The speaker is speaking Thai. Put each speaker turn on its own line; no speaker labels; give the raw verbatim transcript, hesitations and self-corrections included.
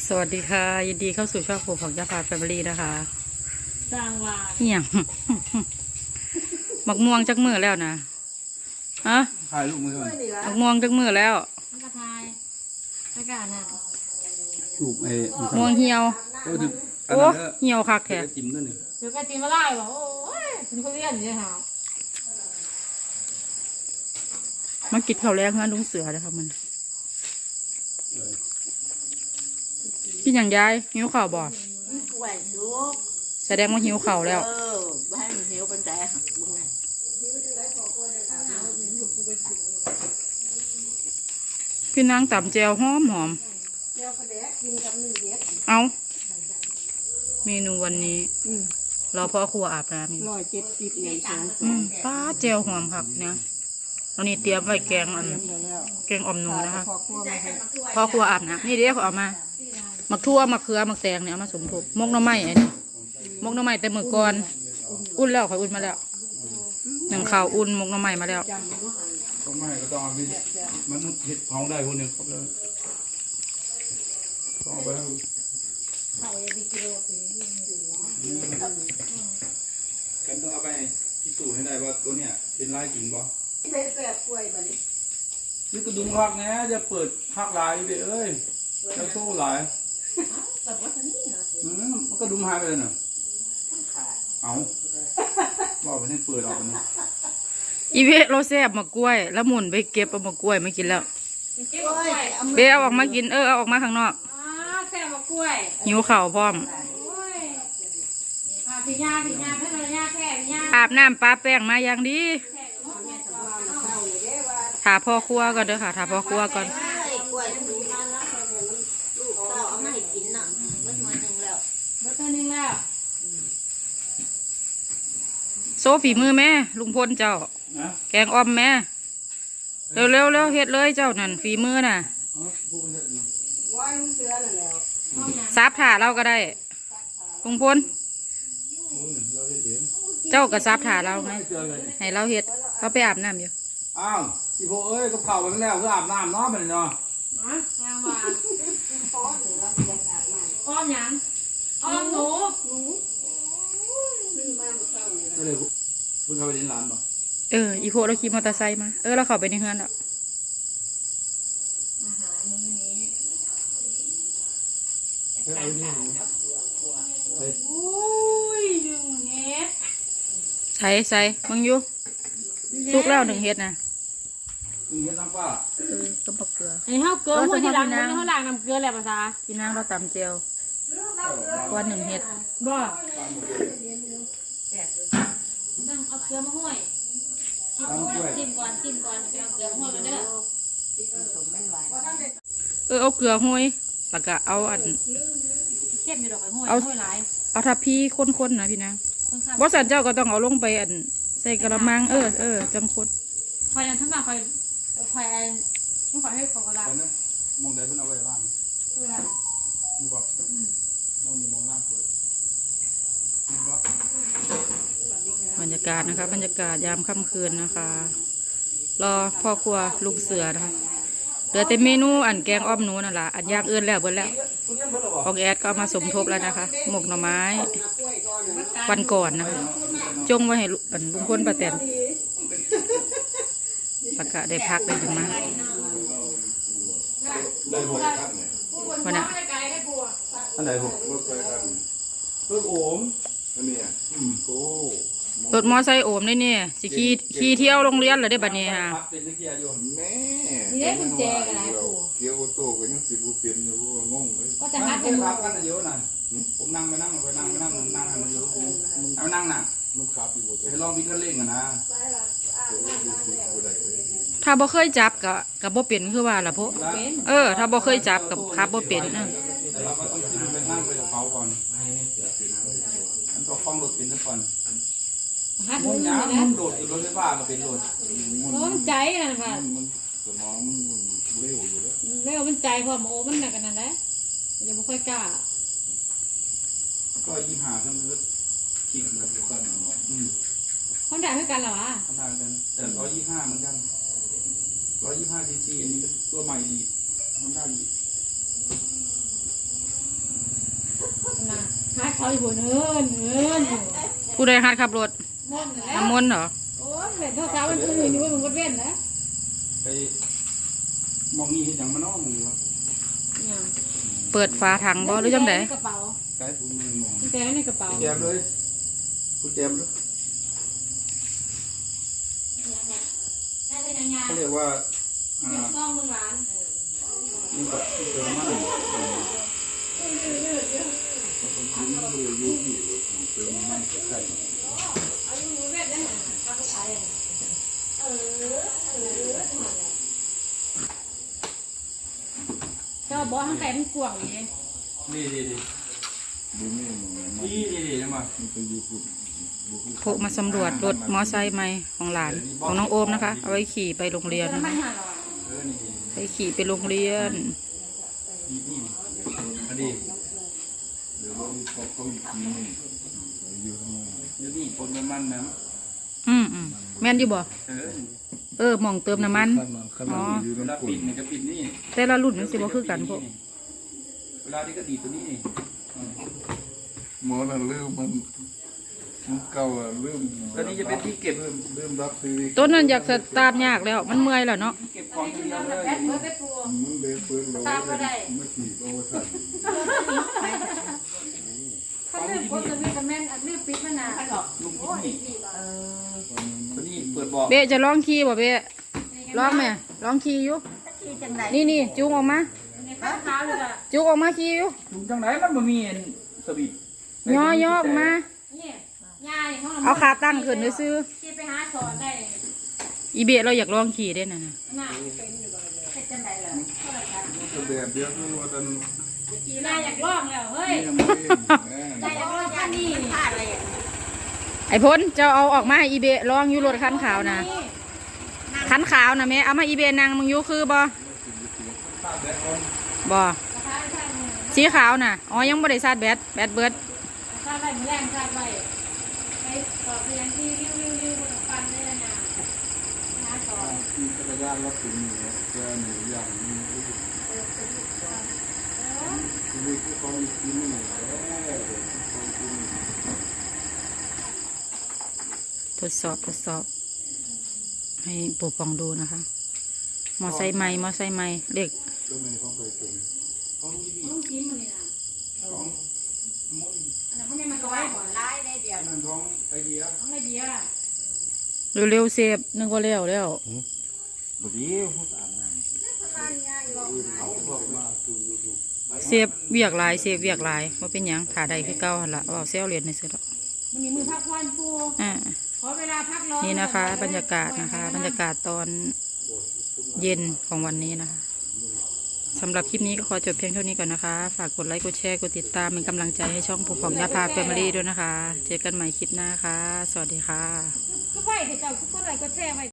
สวัสดีค่ะยินดีเข้าสู่ช่องของยาพาแฟมิลี่นะคะ
สร้างว่า
เหี่ยงหมักม่วงจักมือแล้วนะฮะ
ถ่ายลูกมือก่อน
หมักม่วงจักมือแล้ว
กระทายอากาศน่ะ
ลูกไอ้
ม่วงเหี่ยวโอ้เหี่ยวคักแท้
จิ้มด้วยนี่
เดี๋ยวกระจิ้มมาไล่บอกโอ้ยเป็นคนเรียนเนี่ยฮะ
มากินข้าวแรงงานลุงเสือเลยค่ะมันกินอย่างยายหิวข้าวบ่แสดงว่าหิวข้าวแล้ว
เออบ้านหิวเป็นแต่หักบุ้งไง
พี่นางต่ำแจวหอมหอมเอาเมนูวันนี้เราพ่อครัวอาบน้ำ
ร้อยเจ็ดสิบเงินสอง
ป้าแจวหอมครับเนี่ยตอนนี้เตรียมไว้แกงอันแกงอ่อมหนูนะคะพ่อครัวอาบน้ำนี่เดี๋ยวเขาเอามาหมักทั่วหมักเขือหมักแตงเนี่ยเอามาสมทบมกน้ำไม้ไอ้นี่มกน้ำไม้แต่มือก่อนอุ่นแล้วค่ะอุ่นมาแล้วหนึ่งข่าวอุ่นมกน้ำไม้มาแล้ว
ต้องไม่ก็ต้องมีมันเห็ดท้องได้พวกนี้ครับแล้วต้องไปแล้วกันต้องเอาไปพิสูจน์ให้ได้ว่าตัวเนี้ยเป็นลายจริงบ่
เป็นแบบกล้วยบัดนี้
นี่กระดุมพักนะจะเปิดพักลายไปเอ้ยจะโซ่หลายมันก็ดุมหายไปเลยเนาะเอาบอกไปนี่เปิดออกนี่
อีเวเราแซ่บมากล้วยแล้วหมุนไปเก็บเอามากล้วยไม่กินแล้วเบเอาออกมากินเออเอาออกมาข้างนอก
แซ่บมากล้วย
หิวข่าวพร้อมอาบน้ำปลาแป้งมาอย่างดีถาพ่อครัวก่อนเด้อค่ะถาพ่อครัวก่อนโซฝีมือแม่ลุงพลเจ้าแกงอ้อมแม่เร็วเร็วเร็วเฮ็ดเลยเจ้านั่นฝีมือน่ะซับถาเราก็ได้ลุงพลเจ้าก็ซับถาเราไหมให้เราเฮ็ดเขาไปอาบน้ำอยู่
อ้าวอีโพเอ้ยก็เผาไปแล้วก็อาบน้ำเนาะมันเนาะ
อ้อมยังอ้อมหนู
ก็เลยเพิ่งเข้าไปเล่นร้านป่ะ
เอออีโพเราขี่มอเตอร์ไซค์มาเออเราเข้าไปในเฮือนแล้ว
อาหารมื้อนี้อุ้ยหนึ่งเฮ็ด
ใส่ใส่มึงอยู่สุกแล้วหนึ่งเฮ็ดนะ
หนึ่งเฮ็ดน้ำปลา
เออต้มผักเกลือ
ไอ้เฮาเกลือหัวที่หลังนี่เฮาล้างน้ำเกลือแล้วภาษา
พี่นางเราตำเจียวก้อนหนึ่งเฮ็ด
บ่ต้องเอาเกลือมาห้อยชิมก่อนชิมก่อนไปเอาเกลือมาห้อยกันเด้อ
เออเอาเกลือห้อยแล้วก็เอาอัน
เข้มอยู่ดอกไอ้ห้อยห้อยหลาย
เอาทับพี่ข้นๆนะพี่นางบอสันเจ้าก็ต้องเอาลงไปอันใส่กระมังเออเออจังคด
คอยนั่นทั้งมาคอยคอยอันต้องคอยให้ของกระดาษ
มองใดเพิ่นเอาไว้บ้างมองบอกมองนี่มองล่างเปิด
บรรยากาศนะคะบรรยากาศยามค่ำคืนนะคะรอพ่อครัวลูกเสือนะคะเหลือแต่เมนูอันแกงอ้อมหนูนั่นแหละอันย่างเอื้อนแล้วเบิดแล้วของแอดก็เอามาสมทบแล้วนะคะหมกหน่อไม้วันก่อนนะคะจงไว้ให้ลุงพลป้าแตนประกาศได้พักได้ถึงมาวันน่ะ
อันไหนหกเพิ่งโอมอันนี้อืมโอ้
รถมอไซค์โอมได้เนี่ยสิขี่ขี่เที่ยวโรงเรียนเลยได้บัดนี้ฮะ
แม่
นี่ได้กุญแจกันไรปู่
เกี่ยวโตก็ยังสิบุเปลี่ยนอยู่งงเลย
ก็จะนัด
กันครับกันเยอะหน่อยผมนั่งไปนั่งไปนั่งไปนั่งนั่งให้มันอยู่เอานั่งน่ะ
มันขับอยู่
ให้ลองวิ่งกันเล่นกันนะ
ถ้าบ่เคยจับกับกับบ่เป็นคือว่าล่ะพวกเออถ้าบ่เคยจับกับขับบ่เป็นเออ
แต่เราก็ต้องขึ้นไปนั่งไปกับเขาก่อนอันต้องคล้องรถเป็นซะก่อนมุนยามุนโดดอยู่รถไฟฟ้าก็เป็นโดด
มันใจนะค่ะ
สมองเร็วอยู่แล้ว
เร็วมันใจพอมาโอ้มันหนักกันนั่นแหละยังไม่ค่อยกล้า
ก็ยี่ห้าทั้งรถขี่กันทุกคนอืม
คนด่าให้กันเหรอวะ
คนด่ากันแต่ร้อยยี่ห้าเหมือนกันร้อยยี่ห้าซีซีอันนี้เป็นตัวใหม่ดีคนด่าดี
นะหาเขาอยู่เนินเนินอยู่
ผู้ใดหัดขับรถ
มนต์แล้ว
น้ำมนต์เหรอ
โอ้ยเด็กเท่าสาวมันอื่นอยู่ว่ามึงก็เว้นนะ
ไปมองนี่เห็นอย่างมันน้อมึงวะ
เนี่ย
เปิดฝาถังบ่หรือจังได
ในกระเป๋า
ใช่ผมมอง
แต่ในกระเป๋า
แจมเลยกูแจมเลย
ได้เป็นยังไง
เขาเรียกว่าอ่า
เก็บซองมึงหลาน
นี่กับที่เจอมา
เขาต้องกินเลยอยู่ที่เติมมันใส่
อายุมือเว้นได้ไหมข้าวผู้ชายเออเออเจ้าบอกทั้งแต่มันกวางอย่างนี้
ดีดีดี
ดูนี่มัน
ดีดีดีนะมา
มันเป็นอยู่พุ่นบุก
โคมาสำรวจรถมอไซค์ใหม่ของหลานของน้องโอมนะคะ เอาไว้ขี่ไปโรงเรียน
มัน
นะคะ
หาหรอ
เออนี่
ไปขี่ไปโรงเรียน
นี่นี่อันนี้
เดี๋ยวเราเขาเขาอีกทีนึงอยู่ทำไม
เดี๋ยวนี่ปนน้ำมันนะ
อืมอืมแม่นอยู่บ่
เออ
เออหมองเติมน้ำมัน
ขนาดขนาดอยู่
เวลา
น้ำกุ่
ปิ
น
ดนี่ก็ปิดนี่
แต่ละรุ่นมันสิบ่คือกันพวก
เวลาที่ก็ดีตัวนี้นี่
หมอน่ะลืมมันมันเก่าอ่ะลืม
ตัวนี้จะเป็นที่เก็บ
ลืมลืมรับซื้อ
ต้นนั้นอยากสตาร์ทยากแล้ว มันเมื่อยแล้วเนาะ
เก็บของทีเดียวเลย
แบดเบิร์ดไปปู
มันเลยเปิดเราไม่ขี่โอ้ท่าน
เขาเลือกคนจะมีคอมเมนต์เลือกปิดมานานหรอก
ลุง
โอ้ย
ที่
สี่บาท
ตัวนี้เปิดบอก
เบะจะลองขี่บ่เบะลองไหมลองขี่อยู่
ที่จังไหน
นี่นี่จูงออกมา
ในข้าวเท้าเลยอ่ะ
จูงออกมาขี่อยู่
ลุงจังไหนมันบ่มีสวิต
ย่อย่อออกมา
นี่ยายเขา
เอาขาตั้งขึ้นซื้อ
ที่ไปหาสอนได้
อีเบะเราอยากลองขี่ได้น่ะนะ
น่าเป็นอยู่บ่เลยเป็นจังไหนเหรอ
ก็แบบเดียวกันว่าท่าน
ยายอยากลองแล้วเฮ้ย
นี่ไม่เอง
ยายอยากลองกันนี่พลาดเลย
ไอ้พ้นเจ้าเอาออกมาให้อีเบะลองอยู่รถคันขาวนะคันขาวนะแม่เอามาอีเบะนางมึงอยู่คือบ่บ่สีขาวน่ะอ๋อยังบ่ได้ซาดแบตแบตเบิด
ซาดไว้มือแรงซาดไว้ไปสอบเรียนที่ริ้วริ้วริ้วบนฟันได้แล้วนะหาสอน
ที่จักรยานรถถึงแกหนูอย่างนี้ชีวิตที่เขาอีกทีนึง
ทดสอบทดสอบ ให้ปู่ปองดูนะคะ มอไซค์ใหม่มอไซค์ใหม่เด็ก
ก็ไม่เขาเคยเป็น
ของที่นี่
ต้องกินมันนี่นะ
ของมุ้ย
อันนั้นพวกนี้มันก็ไว้ก่อนไล่ได้เดียว
นั่นของไอเดีย
ต้องได้เบียร์
เร็วๆเซฟนึกว่าแล้วแล้ว
บดีเขาตามนั่นเขาบอกมาดูยูทูบ
เซฟเวียกหลายเซฟเวียกหลายว่าเป็นหยังขาใดคือเก่าหั่นละว่าเซลเรียนในสุดอก
มันนี่มือพักวันปู
อ่า
ขอเวลาพักร้อน
นี่นะคะ บรรยากาศนะคะ บรรยากาศตอนเย็นของวันนี้นะคะสำหรับคลิปนี้ก็ขอจบเพียงเท่านี้ก่อนนะคะ ฝากกดไลค์กดแชร์กดติดตามเป็นกำลังใจให้ช่องผู้ของยาพาแฟมิลี่ด้วยนะคะ เจอกันใหม่คลิปหน้าค่ะ สวัสดีค่ะ
ก็ไหวเดี๋ยวเจ้าก็ไหวก็แช่ไว้